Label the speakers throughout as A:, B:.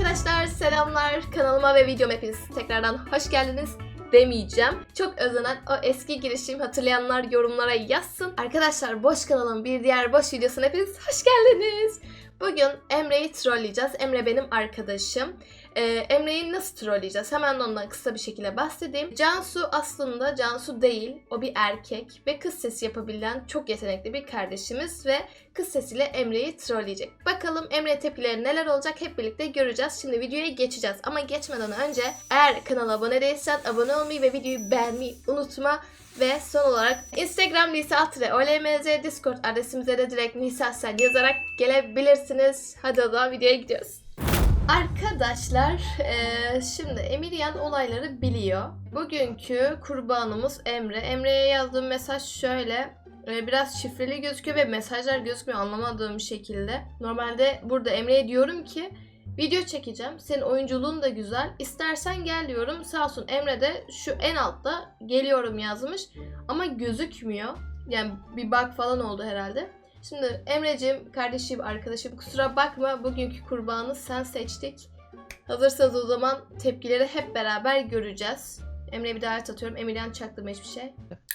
A: Arkadaşlar selamlar, kanalıma ve videoma hepiniz tekrardan hoş geldiniz demeyeceğim. Çok özlenen o eski girişim hatırlayanlar yorumlara yazsın. Arkadaşlar boş kanalın bir diğer boş videosuna hepiniz hoş geldiniz. Bugün Emre'yi trolleyeceğiz. Emre benim arkadaşım. Emre'yi nasıl trolleyeceğiz? Hemen ondan kısa bir şekilde bahsedeyim. Cansu aslında Cansu değil. O bir erkek ve kız sesi yapabilen çok yetenekli bir kardeşimiz ve kız sesiyle Emre'yi trolleyecek. Bakalım Emre tepkileri neler olacak hep birlikte göreceğiz. Şimdi videoya geçeceğiz. Ama geçmeden önce eğer kanala abone değilsen abone olmayı ve videoyu beğenmeyi unutma. Ve son olarak Instagram Nisa_OLMZ, Discord adresimize de direkt Nisasel yazarak gelebilirsiniz. Hadi o zaman videoya gidiyoruz. Arkadaşlar şimdi Emiryan olayları biliyor. Bugünkü kurbanımız Emre. Emre'ye yazdığım mesaj şöyle. Biraz şifreli gözüküyor ve mesajlar gözükmüyor anlamadığım şekilde. Normalde burada Emre'ye diyorum ki video çekeceğim. Senin oyunculuğun da güzel. İstersen gel diyorum. Sağ olsun Emre de şu en altta geliyorum yazmış. Ama gözükmüyor. Yani bir bug falan oldu herhalde. Şimdi Emre'cim, kardeşim, arkadaşım kusura bakma. Bugünkü kurbanı sen seçtik. Hazırsanız o zaman tepkileri hep beraber göreceğiz. Emre'ye bir davet atıyorum. Emirhan çaktırma hiçbir şey.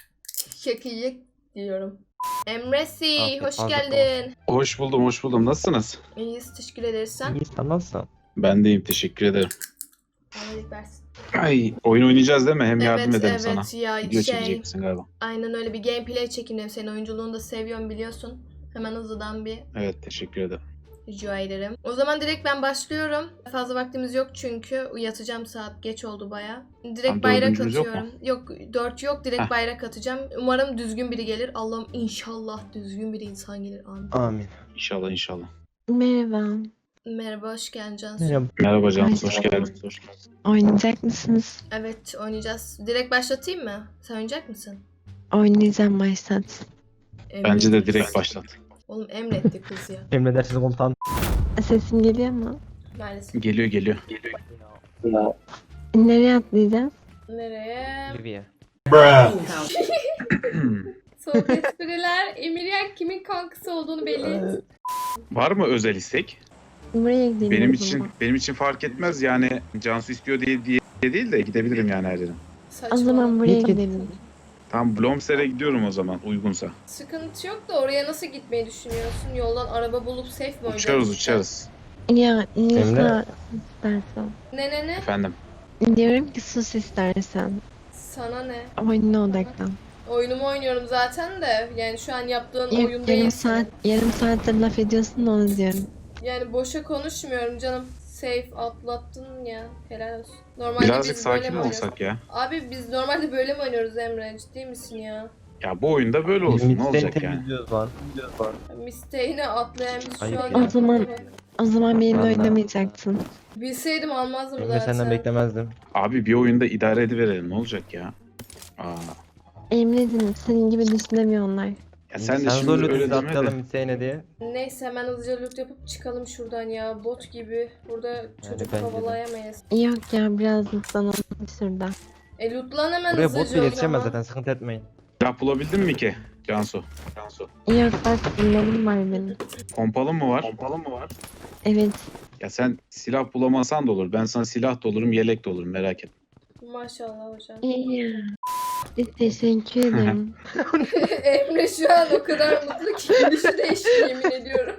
A: Şakayı diyorum. Emresi hoş geldin.
B: Hoş buldum. Nasılsınız?
A: İyiyiz, teşekkür ederiz sen.
C: İyi, sen nasılsın?
B: Ben deyim, teşekkür ederim.
A: Allah versin.
B: Ay, oyun oynayacağız değil mi? Hem yardım ederim sana.
A: Evet ya
B: Video çekecek misin galiba?
A: aynen öyle bir gameplay çekeyim. Senin oyunculuğunu da seviyorum biliyorsun. Hemen hızlıdan bir
B: Evet, teşekkür ederim.
A: rica ederim. O zaman direkt ben başlıyorum. Fazla vaktimiz yok çünkü yatacağım, saat geç oldu baya. Direkt
B: Tam
A: bayrak
B: dördüncümüz yok
A: atıyorum. Yok 4 yok, direkt bayrak atacağım. Umarım düzgün biri gelir. Allah'ım inşallah düzgün bir insan gelir. Amin.
C: Amin.
B: İnşallah.
D: Merhaba.
A: Merhaba, hoş geldin Cansu.
C: Merhaba.
B: Merhaba Cansu, hoş geldin.
D: Oynayacak mısınız?
A: Evet, oynayacağız. Direkt başlatayım mı? Sen oynayacak mısın?
D: Oynayacağım, başlat.
B: Bence de direkt başlat.
A: Oğlum emretti kız ya.
C: Emredersiniz komutan.
D: Sesim geliyor mu?
A: Maalesef.
B: Geliyor.
D: Nereye atlayacağız?
A: Nereye?
C: Libya.
A: Soğuk espriler. Emiryan kimin kankası olduğunu belli et.
B: Var mı özel istek?
D: Buraya gidelim.
B: Benim için fark etmez yani. Cansu istiyor diye değil de gidebilirim yani her yere.
D: O zaman buraya
C: Git.
D: gidelim.
B: Tam Blomster'e gidiyorum o zaman uygunsa.
A: Sıkıntı yok da oraya nasıl gitmeyi düşünüyorsun? Yoldan araba bulup safe mi oynayacaksın?
B: Uçarız.
D: Ya Nisa
C: Emre.
D: istersen.
A: Ne?
B: Efendim.
D: Diyorum ki sus istersen.
A: Sana ne?
D: Oyununa odaklan.
A: Oyunumu oynuyorum zaten de. Yani şu an yaptığın
D: Yok,
A: oyun değil.
D: yarım saattir laf ediyorsun da onu diyorum.
A: Yani boşa konuşmuyorum canım. Safe atlattın ya. Helal olsun. Normalde
B: Birazcık
A: biz böyle
B: sakin
A: mi
B: mi
A: oynuyoruz?
B: olsak ya?
A: Abi biz normalde böyle mi oynuyoruz Emre? Ciddi misin ya?
B: Ya bu oyunda böyle olsun, ne olacak yani?
C: Temizliyoruz lan.
A: Misteğine atlayan biz
C: Ayıp
A: şu an...
C: ya.
D: O zaman- O zaman benimle
C: Vallahi.
D: oynamayacaksın.
A: Bilseydim almazdım
C: Emre
A: zaten.
C: senden beklemezdim.
B: Abi bir oyunda idare ediverelim, ne olacak ya? Aa.
D: Emre'cim senin gibi düşünemiyor onlar.
B: Ya sen de şimdi
C: zorla
B: öyle
C: bizi
B: deme de.
C: atlayalım Hüseyin'e diye.
A: Neyse hemen hızlıca loot yapıp çıkalım şuradan ya. Bot gibi. Burada çocuk
C: bence de.
A: kovalayamayız.
D: Yok ya biraz mutlanalım şurada.
A: Lootlan hemen
C: Buraya
A: hızlıca
C: bot bile
A: o
C: yetişemez
A: zaman.
C: zaten, sıkıntı etmeyin.
B: Silah bulabildin mi ki Cansu?
D: Yok bak bunlarım var benim.
B: Pompalın mı var?
D: Evet.
B: Ya sen silah bulamasan da olur. Ben sana silah da olurum, yelek de olurum, merak etme.
A: Maşallah hocam.
D: İyi. Teşekkür ederim.
A: Emre şu an o kadar mutlu ki gülüşü değişti yemin ediyorum.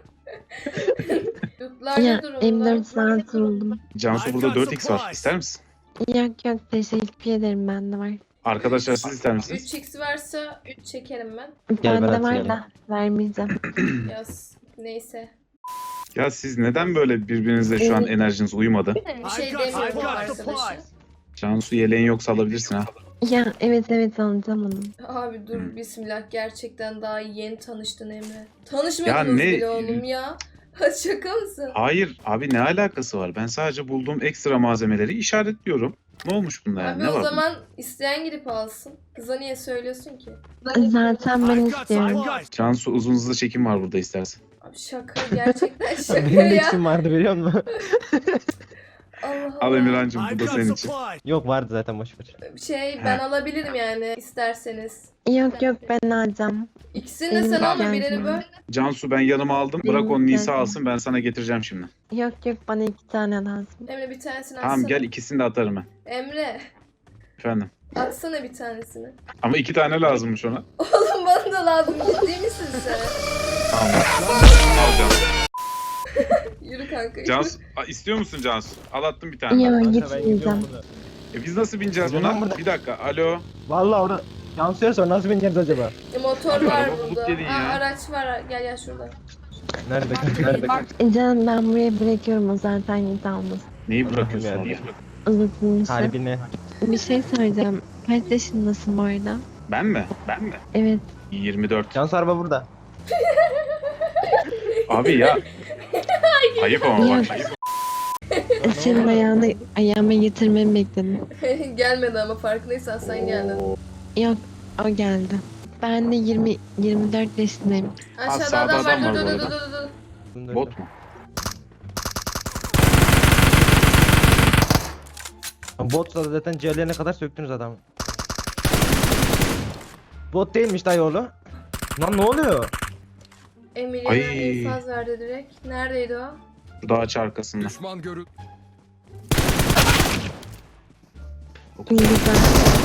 A: Lootlar
D: Ya
A: ne durumda?
D: M4 saat buldum.
B: Cansu burada 4x var. İster misin?
D: Yok teşekkür ederim bende var.
B: Arkadaşlar siz ister misiniz?
A: 3x varsa 3 çekerim ben.
C: Gel, ben
D: Bende var
C: atayım.
D: da vermeyeceğim.
A: Yaz. Neyse.
B: Ya siz neden böyle birbirinizle şu an enerjiniz uyumadı?
A: Bir şey demiyorum arkadaşı.
B: Cansu yeleğin yoksa alabilirsin ha.
D: Ya evet alacağım onu.
A: Abi dur bismillah, gerçekten daha yeni tanıştın Emre. Tanışmadınız
B: Ya ne-
A: bile oğlum ya. Şaka mısın?
B: Hayır abi, ne alakası var? Ben sadece bulduğum ekstra malzemeleri işaretliyorum. Ne olmuş bunda yani?
A: Abi
B: Ne
A: o
B: var?
A: zaman isteyen gidip alsın. Kıza niye söylüyorsun ki?
D: Zaten ben istiyorum.
B: Cansu uzun hızlı çekim var burada istersen.
A: Abi şaka, gerçekten şaka
C: Benim de
A: ya.
C: iksim vardı biliyor musun?
A: Allah
B: Al
A: Allah.
B: Emirhan'cığım bu da senin için.
C: Yok vardı zaten boş ver.
A: Ben alabilirim yani isterseniz.
D: Yok yok ben alacağım.
A: İkisini de sen
D: Tamam.
A: alma, birini böl.
B: Cansu ben yanıma aldım. Bırak onu
D: Benim
B: Nisa
D: geldim.
B: alsın, ben sana getireceğim şimdi.
D: Yok yok bana 2 tane lazım.
A: Emre bir tanesini
B: Tamam
A: atsana.
B: gel, ikisini de atarım ben.
A: Emre
B: Efendim.
A: atsana bir tanesini.
B: Ama 2 tane lazımmış ona.
A: Oğlum bana da lazım, ciddi misin sen?
B: Tamam. Al Cansu.
A: Yürü kanka. yürü.
B: Cansu istiyor musun Cansu? Al attım bir tane.
D: Yok
C: Kanka ben
D: gitmeyeceğim.
C: gidiyorum burada.
B: Biz nasıl bineceğiz
C: Gidiyorum
B: buna?
C: burada.
B: Bir dakika. Alo.
C: Vallahi orada Cansu'ya sor nasıl bineceğiz acaba?
A: Motor
B: Abi,
A: var
B: araba bulup
A: burada.
B: gelin ya.
A: Araç var. Gel şurada.
C: Nerede kanka? Nerede kanka?
D: Canım ben buraya bırakıyorum o zaten git almasın.
B: Neyi bırakıyorsun
C: Allah'ım
B: oraya?
D: Uzatılmış.
C: Kalbine.
D: Bir şey söyleyeceğim. Kaç yaşındasın bu arada?
B: Ben mi? Ben mi?
D: Evet.
B: 24.
C: Cansu araba burada.
B: Abi ya. Ayıp ama
D: Ya.
B: bak. Ayıp.
D: Senin ayağıma getirmemi bekledim.
A: Gelmedi ama farkındaysan sen geldin.
D: Yok o geldi. Ben de 24 yaşındayım.
A: Aşağıda
B: sağda
A: adam var.
B: adam var
A: Dur
B: bu
A: dur dur
B: arada.
A: dur dur.
B: Bot mu?
C: Botsa zaten ciğerlerine kadar söktünüz adamı. Bot değilmiş dayı oğlu. Lan ne oluyor?
A: Emily'e
B: Ay.
A: infaz verdi direkt. Neredeydi o?
B: Şu ağaç arkasında.
E: Düşman görül.
D: İyi güzel.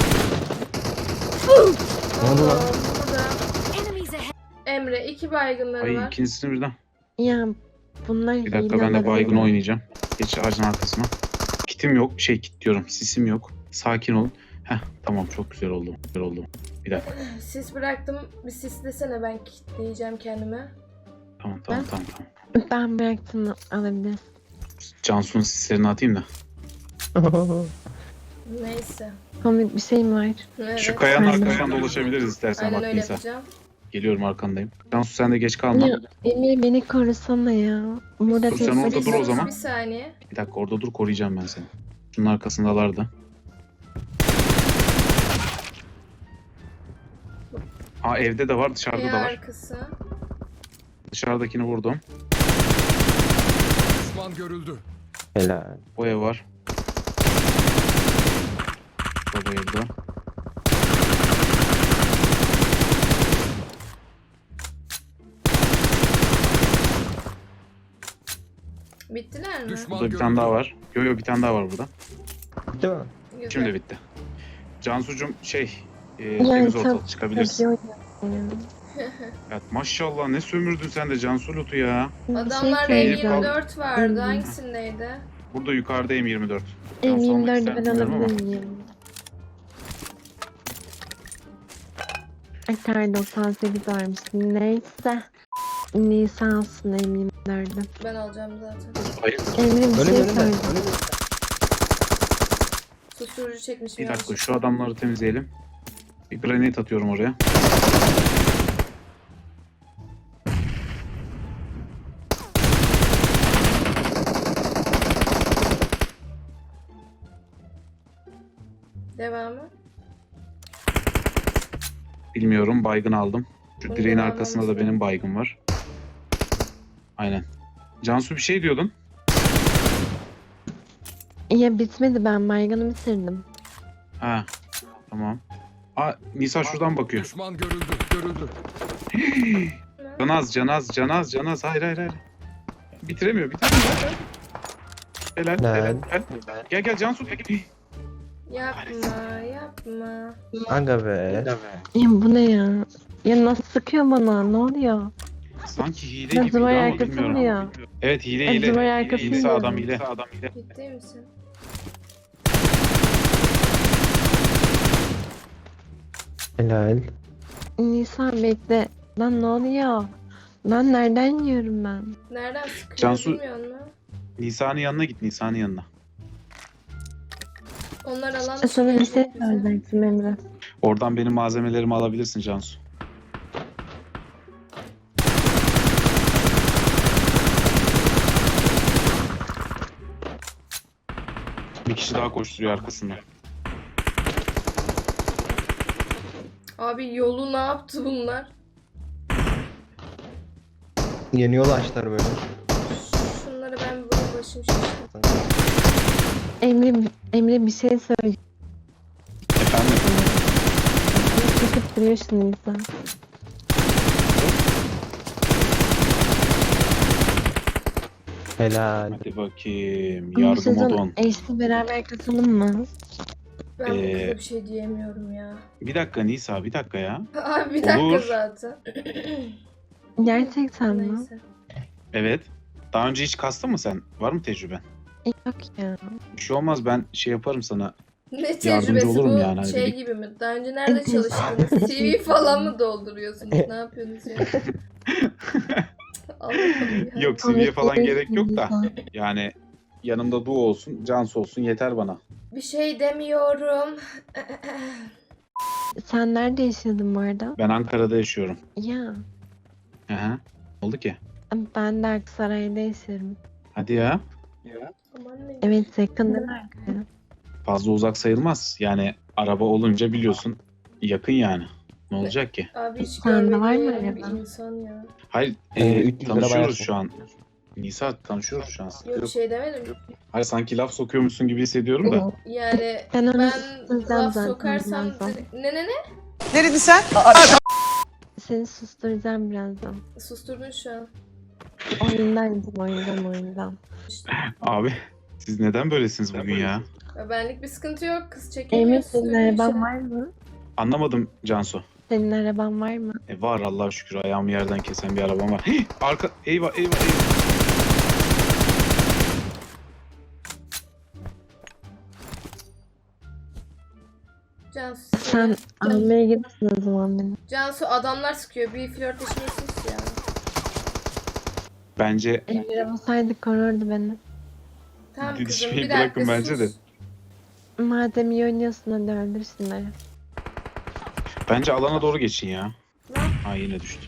C: Ne oldu lan?
A: Aa, burada. Emre 2 baygınları
B: Ay
A: var.
B: ikincisini birden.
D: Ya bunlar
B: Bir dakika
D: hile
B: ben de
D: olabilir
B: baygın
D: mi?
B: oynayacağım. Geç ağacın arkasına. Kitim yok. Kit diyorum. Sisim yok. Sakin olun. Heh tamam çok güzel oldu. Güzel oldu. Bir dakika.
A: Sis bıraktım. Bir sis desene, ben kilitleyeceğim kendime.
B: Tamam.
D: Ben bıraktım alabilir.
B: Cansu'nun sislerini atayım da.
A: Neyse.
D: Komik bir şey mi var?
A: Evet.
B: Şu kayanın
D: Aynen.
B: arkasından dolaşabiliriz istersen
A: Aynen
B: bak
A: öyle
B: Nisa.
A: yapacağım.
B: Geliyorum arkandayım. Cansu sen de geç kalma.
D: Ya Emir beni korusana ya. Burada
B: Dur, sen
D: tek
B: orada
D: başına-
B: dur o zaman.
A: Bir saniye.
B: Bir dakika orada dur, koruyacağım ben seni. Şunun arkasındalardı. Aa evde de var, dışarıda
A: Bir
B: da var.
A: arkası.
B: Dışarıdakini vurdum.
E: Düşman görüldü.
C: Helal.
B: O ev var. Baba evde.
A: Bittiler mi?
E: Düşman
B: Burada bir
E: görüldü.
B: tane daha var. Yo bir tane daha var burada.
C: Değil mi?
A: Güzel.
B: Şimdi bitti. Cansucuğum
D: Yani
B: temiz
D: çok-
B: ortalık çıkabilirsin.
D: Çok iyi oynuyor.
B: Ya, maşallah ne sömürdün sen de Cansu Lut'u ya.
D: Bir şey
A: Adamlarda
D: söyleyeceğim.
A: M24 vardı.
D: Hmm.
A: Hangisindeydi?
B: Burada yukarıda M24. Cansu almak
D: M24'ü
B: ister
D: ben
B: bilmiyorum ama.
D: alabilir miyim? Ay kar 98 varmış. Neyse. Nisa alsın M24'ü.
A: Ben alacağım zaten.
B: Hayır.
D: Emre bir
C: Önüm
D: şey
C: önümde.
D: söyleyeceğim.
C: Önümde.
A: Susturucu çekmişim
B: Bir dakika
A: yanlış.
B: şu adamları temizleyelim. Bir granate atıyorum oraya.
A: Devamı.
B: Bilmiyorum, baygın aldım. Şu
A: Bunu
B: direğin
A: da
B: arkasında da
A: almamıştım.
B: benim baygın var. Aynen. Cansu bir şey diyordun.
D: Ya bitmedi, ben mayganı bitirdim.
B: Ha. Tamam. Aa Nisa şuradan bakıyor.
E: Düşman görüldü. Görüldü.
B: Canaz. Hayır. Bitiremiyor. Helal. Gel Cansu.
A: Yapma.
C: Aga be.
D: Ya bu ne ya? Ya nasıl sıkıyor bana? Ne oluyor?
B: Sanki hile
D: Ya
B: gibiydi
D: duvar
B: ama
D: arkası
B: bilmiyorum.
D: mı ya?
B: Evet hile.
D: Ya duvar arkası
B: Nisa
D: mı?
B: adam hile.
A: Ciddi misin?
C: Helal.
D: Nisa bekle. Lan ne oluyor? Lan nereden yiyorum ben?
A: Nereden sıkıyor
B: Cansu-
A: bilmiyor musun?
B: Nisa'nın yanına git. Nisa'nın yanına.
A: Onlar alan
D: Sana bir
A: dışı
D: şey
A: bize.
D: söyleyecektim Emre.
B: Oradan benim malzemelerimi alabilirsin Cansu. Bir kişi daha koşturuyor arkasında.
A: Abi yolu ne yaptı bunlar?
C: Yeni yol açtılar böyle.
A: Şunları ben bir başım şişti.
D: Emre bir şey söyle.
B: Efendim?
D: Çıkıp duruyorsun insan.
C: Helal.
B: Hadi bakayım.
D: Bu
B: Yardım
D: sezon
B: odon.
D: eşli beraber katalım mı?
A: Ben bu
B: Ee,
A: kıza bir şey diyemiyorum ya.
B: Bir dakika Nisa, bir dakika ya.
A: Abi bir dakika
B: Olur.
A: zaten.
D: Gerçekten mi?
A: Neyse.
B: Evet. Daha önce hiç kastın mı sen? Var mı tecrüben?
D: Yok ya.
B: Bir şey olmaz, ben şey yaparım sana.
A: Ne
B: Yardımcı
A: tecrübesi
B: olurum
A: bu
B: yani, hani
A: şey
B: böyle-
A: gibi mi? Daha önce nerede çalıştınız? CV falan mı dolduruyorsunuz? Ne yapıyorsunuz ya? Allah'ım ya.
B: Yok, CV'ye falan
D: Komik
B: gerek yok da.
D: insan.
B: Yani yanımda Du olsun, Cansu olsun yeter bana.
A: Bir şey demiyorum.
D: Sen nerede yaşıyordun bu arada?
B: Ben Ankara'da yaşıyorum.
D: Ya.
B: Hı hı. Oldu ki.
D: Ben de Aksaray'da yaşıyorum.
B: Hadi ya.
A: Aman ne?
D: Evet yakın değil mi Ankara?
B: Fazla uzak sayılmaz. Yani araba olunca biliyorsun yakın yani. Ne olacak ki?
A: Abi hiç
D: Sende var mı
A: görmediğim bir
D: araba?
A: insan ya.
B: Hayır,
C: 300 lira
B: tanışıyoruz
C: bayarsın.
B: şu an. Nisa, tanışıyoruz şu an.
A: Yok bir şey demedim.
B: Hayır, sanki laf sokuyormuşsun gibi hissediyorum da.
A: Yani
D: Ben onu
A: ben
D: susturacağım
A: laf
D: zaten
A: sokarsam
D: birazdan.
A: ne?
E: Ne dedin sen?
D: Seni susturacağım birazdan.
A: Susturdun şu an.
D: Oyundan.
A: İşte.
B: Abi siz neden böylesiniz bugün ya?
A: Ya benlik bir sıkıntı yok. Kız
D: Emre
A: çekemiyor.
D: senin araban var mı?
B: Anlamadım Cansu.
D: Senin araban var mı?
B: Var Allah'a şükür, ayağımı yerden kesen bir arabam var. Hih, arka eyvah.
A: Cansu,
D: Sen almaya gidersin o zaman beni.
A: Cansu adamlar sıkıyor. Bir flörtleşmiyorsunuz ya.
B: Bence
D: Emre olsaydı korurdu beni.
A: Tamam kızım
B: Didişmeyi
A: bir dakika
B: bırakın bence de.
A: sus.
D: Madem iyi oynuyorsun hadi öldürsünler.
B: bence alana doğru geçin ya.
A: Lan
B: Ha, yine düştü.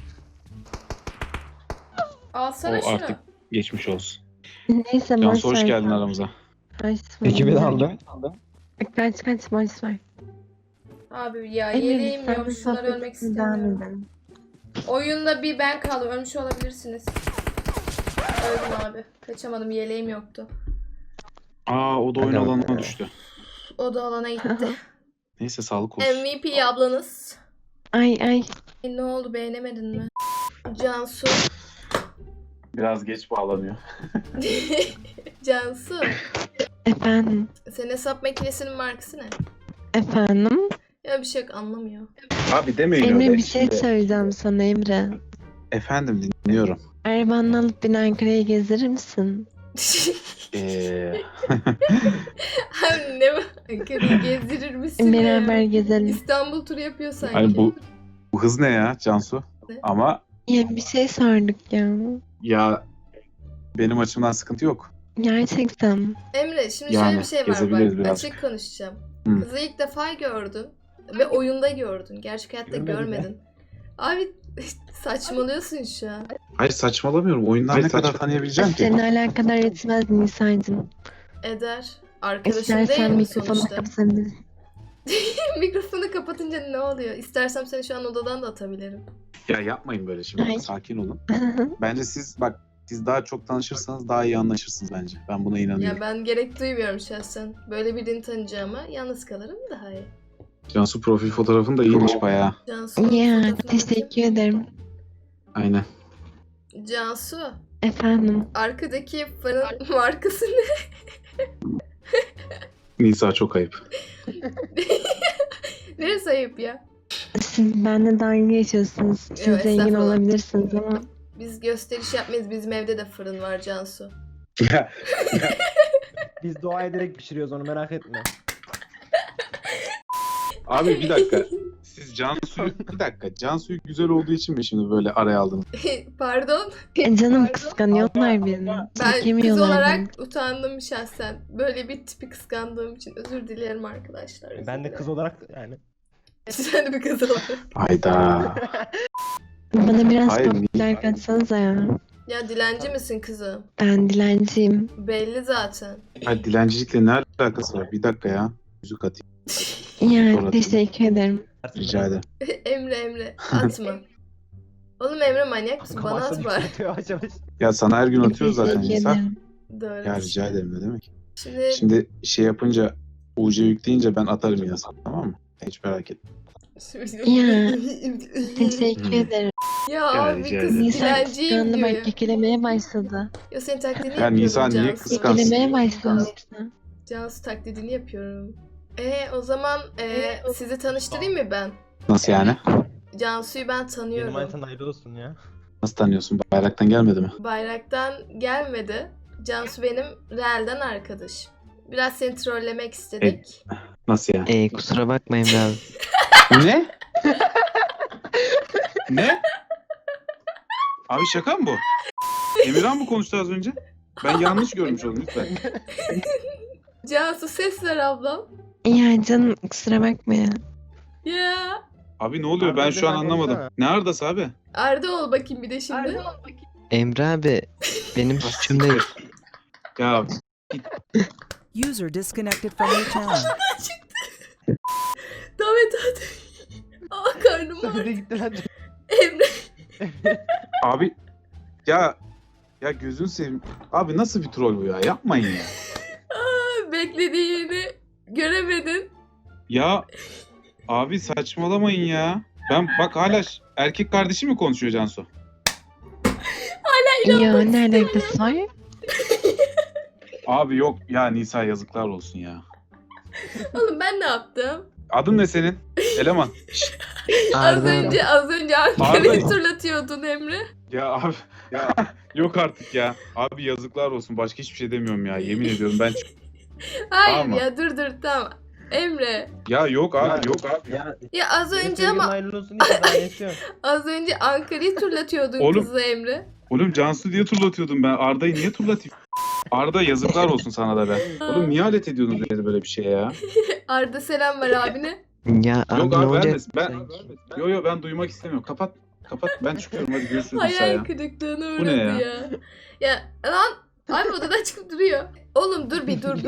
A: alsana
B: O
A: şunu.
B: artık geçmiş olsun.
D: Neyse boş
B: Cansu hoş
D: ver.
B: geldin aramıza.
D: Boş ver.
C: Ekibi de aldım.
D: Kaç boş ver.
A: Abi ya
D: Emre
A: yeleğim
D: biz
A: yok.
D: seninle
A: Şunları ölmek
D: sohbetimize devam
A: istemiyorum.
D: edelim.
A: Oyunda bir ben kaldım. Ölmüş olabilirsiniz. Öldüm abi. Kaçamadım. Yeleğim yoktu.
B: Aa, o da oyun
C: Hadi
B: alanına
C: bakalım.
B: düştü.
A: O da alana gitti.
B: Neyse, sağlık olsun.
A: MVP ablanız.
D: Ay.
A: Ne oldu beğenemedin mi? Cansu.
B: Biraz geç bağlanıyor.
A: Cansu.
D: Efendim.
A: Senin hesap makinesinin markası ne?
D: Efendim.
A: Ya bir şey yok anlamıyor.
B: Abi demeyin
D: Emre
B: öyle.
D: bir şey
B: Şimdi-
D: söyleyeceğim sana Emre.
B: Efendim, dinliyorum.
D: Arabanı alıp beni Ankara'ya gezdirir misin?
A: Abi ne var? Ankara'yı gezdirir misin
D: Beraber
A: ya?
D: gezelim.
A: İstanbul turu yapıyor sanki.
B: Hani bu hız ne ya Cansu?
A: Ne?
B: Ama
D: Ya bir şey sorduk ya.
B: ya benim açımdan sıkıntı yok.
D: Gerçekten.
A: Emre şimdi
B: Yani,
A: şöyle bir şey var
B: gezebiliriz
A: bak.
B: birazcık.
A: Açık konuşacağım.
B: Hı.
A: Kızı ilk defa gördün. Ve oyunda gördün. Gerçek hayatta
C: Görmedim
A: görmedin. Abi saçmalıyorsun şu an.
B: Hayır, saçmalamıyorum. Oyundan ne kadar tanıyabileceğim ki?
D: Seni alakadar etmez Nisa'cığım.
A: Eder. Arkadaşın
D: İstersen
A: değil mi
D: mikrofonu
A: sonuçta?
D: kapatabilirsin.
A: Mikrofonu kapatınca ne oluyor? İstersem seni şu an odadan da atabilirim.
B: Ya yapmayın böyle şimdi.
D: Ay.
B: Sakin olun. Bence siz daha çok tanışırsanız daha iyi anlaşırsınız bence. Ben buna inanıyorum.
A: Ya ben gerek duymuyorum şahsen. Böyle birini tanıyacağıma yalnız kalırım daha iyi.
B: Cansu profil fotoğrafın da iyiymiş bayağı.
A: Cansu'nun
D: Ya
A: fotoğrafına bakayım.
D: teşekkür ederim.
B: Aynen.
A: Cansu,
D: Efendim.
A: arkadaki farın markası ne?
B: Nisa, çok ayıp.
A: Neresi ayıp ya?
D: Siz benimle dalga geçiyorsunuz. Siz
A: Yok,
D: zengin
A: estağfurullah.
D: olabilirsiniz ama
A: Biz gösteriş yapmayız. Bizim evde de fırın var Cansu.
B: Ya,
C: Biz dua ederek pişiriyoruz onu merak etme.
B: abi bir dakika. Siz Cansu'yu güzel olduğu için mi şimdi böyle araya aldınız?
A: Pardon.
D: canım kıskanıyorlar beni.
A: Ben kız
D: Çekemiyorlar
A: olarak
D: beni.
A: utandım şahsen. Böyle bir tipi kıskandığım için özür dilerim arkadaşlar. özür
C: Ben de
A: dilerim.
C: kız olarak yani.
A: Sen de bir kız olarak.
B: Hayda.
D: Bana biraz
B: Hayır,
D: popüler kaçsanıza ya.
A: Ya dilenci misin kızım?
D: Ben dilenciyim.
A: Belli zaten.
B: Hayır, dilencilikle ne alakası var? Bir dakika ya. Yüzük atayım.
D: Yani
B: Sonra-
D: teşekkür ederim.
B: Rica ederim.
A: Emre atma. Oğlum Emre manyak mısın? Bana at var.
C: Yavaş yavaş.
B: Ya sana her gün atıyoruz zaten
D: Teşekkür
B: Nisa.
D: ederim.
A: Doğru.
B: Ya rica ederim, ne demek? Şimdi şey yapınca UC yükleyince ben atarım yine sana, tamam mı? Hiç merak etme.
D: Ya. Teşekkür ederim.
A: Ya abi
B: rica
A: kız
B: ederim.
D: Nisan
A: dilenciyim
D: kıskandı
A: gibi.
D: bak kekelemeye başladı.
A: Ya senin taklidini
B: Ya
A: yapıyorum
B: Nisan niye
A: Cansu.
B: kıskansın?
D: Kekelemeye başladı.
A: Cansu taklidini yapıyorum. O zaman sizi tanıştırayım mı ben?
B: Nasıl yani?
A: Cansu'yu ben
C: Benim
A: tanıyorum.
C: manitan ayrı olsun ya.
B: Nasıl tanıyorsun? Bayraktan gelmedi mi?
A: Bayraktan gelmedi. Cansu benim Real'den arkadaş. Biraz seni trollemek istedik.
B: Nasıl yani?
E: Kusura bakmayın be abi.
B: Ne? Ne? Abi şaka mı bu? Emirhan mı konuştu az önce? Ben yanlış görmüş oldum lütfen.
A: Cansu ses ver ablam.
D: Ya canım kusura bakma ya.
A: Ya.
B: Abi ne oluyor?
C: Arda
B: Ben
C: ile
B: şu an
C: sen
B: anlamadım.
C: konuşsana.
B: Ne Arda'sı abi?
A: Arda ol bakayım bir de şimdi.
E: Emre abi benim suçum değil.
B: Ya
F: User disconnected from your channel.
A: Davet hadi. Aa karnım
C: Sözü
A: ağrıyor.
C: gitti lan.
A: Emre.
B: abi ya gözün seveyim. Abi nasıl bir troll bu ya? Yapmayın ya.
A: Beklediğini göremedin.
B: Ya abi saçmalamayın ya. Ben bak hala erkek kardeşi mi konuşuyor Cansu?
D: Ya ne alakası var?
B: Abi yok ya, Nisa yazıklar olsun ya.
A: Oğlum ben ne yaptım?
B: Adın ne senin? Eleman. Şşt,
A: Az
E: Arda
A: önce Ankara'yı
B: Arda.
A: turlatıyordun Emre.
B: ya abi ya yok artık ya. Abi yazıklar olsun. Başka hiçbir şey demiyorum ya. Yemin ediyorum ben
A: Hayır
B: Tamam.
A: ya dur tamam. Emre.
B: ya yok abi yok abi.
C: Ya,
A: Ya az
C: benim
A: önce
C: sevgilim
A: ama
C: hayırlı olsun diye daha yaşıyorum.
A: az önce Ankara'yı turlatıyordun
B: Oğlum.
A: kızı Emre.
B: Oğlum Cansu diye turlatıyordum ben. Arda'yı niye turlatayım? Arda yazıklar olsun sana da be. Oğlum niye alet ediyorsunuz beni böyle bir şeye ya?
A: Arda selam ver abine.
E: ya abi
B: Yok
E: ne
B: abi
E: olacak?
B: vermesin. Ben duymak istemiyorum. Kapat. Ben çıkıyorum, hadi görüşürüz Nisa
A: Hayal
B: ya.
A: kırıklığına
B: Bu ne
A: uğradı
B: ya?
A: ya. Ya lan abi odadan çıkıp duruyor. Oğlum dur bir dur.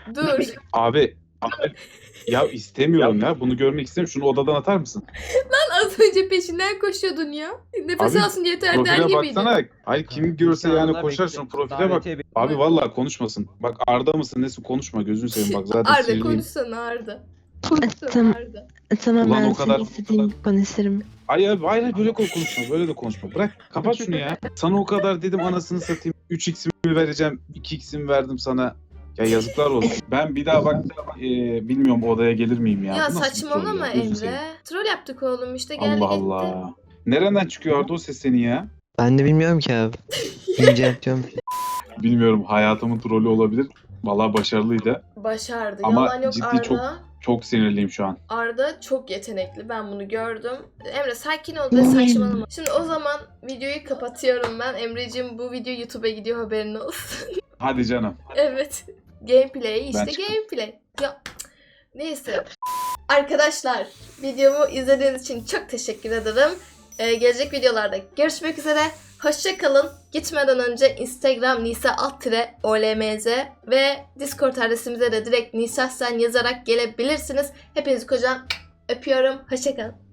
B: Abi ya istemiyorum ya. Bunu görmek istemiyorum. Şunu odadan atar mısın?
A: Lan az önce peşinden koşuyordun ya. Nefes
B: Abi,
A: alsın yeter der
B: Profile
A: gibiydi.
B: baksana. Hayır kim görse yani
C: İnsanlar
B: koşar,
C: bekliyor.
B: şunu profile bak.
C: Davetiye bekliyor.
B: Abi vallahi konuşmasın. Bak Arda mısın nesin, konuşma gözünü seveyim bak zaten
A: Arda
B: sinirliyim.
A: konuşsana Arda.
D: Tamam,
A: Arda.
D: tamam
B: Ulan
D: ben
B: o kadar-
D: senin istediğin gibi konuşurum.
B: Hayır böyle konuşma, böyle de konuşma. Bırak kapat şunu ya. Sana o kadar dedim anasını satayım. 3x'imi vereceğim, 2x'imi verdim sana. Ya yazıklar olsun. Ben bir daha bak bilmiyorum odaya gelir miyim ya.
A: Ya
B: Bu nasıl bir
A: saçmalama
B: troll ya? Gözünü
A: Emre.
B: seveyim.
A: Troll yaptık oğlum işte geldi
B: Allah
A: gitti.
B: Allah. Nereden çıkıyor Arda o ses senin ya?
E: Ben de bilmiyorum ki abi. İnceltiyorum.
B: Bilmiyorum, hayatımın trolü olabilir. Vallahi başarılıydı.
A: Başardı.
B: Ama
A: Yalan yok
B: ciddi
A: Arda.
B: Çok sinirliyim şu an.
A: Arda çok yetenekli. Ben bunu gördüm. Emre sakin ol ve saçmalama. Şimdi o zaman videoyu kapatıyorum ben. Emreciğim bu video YouTube'a gidiyor haberin olsun.
B: Hadi canım.
A: Evet. Gameplay işte
B: Ben çıktım.
A: gameplay. Ya neyse. Arkadaşlar videomu izlediğiniz için çok teşekkür ederim. Gelecek videolarda görüşmek üzere. Hoşça kalın. Gitmeden önce Instagram nisa_olmz ve Discord adresimize de direkt Nisa Sen yazarak gelebilirsiniz. Hepinizi kocaman öpüyorum. Hoşça kalın.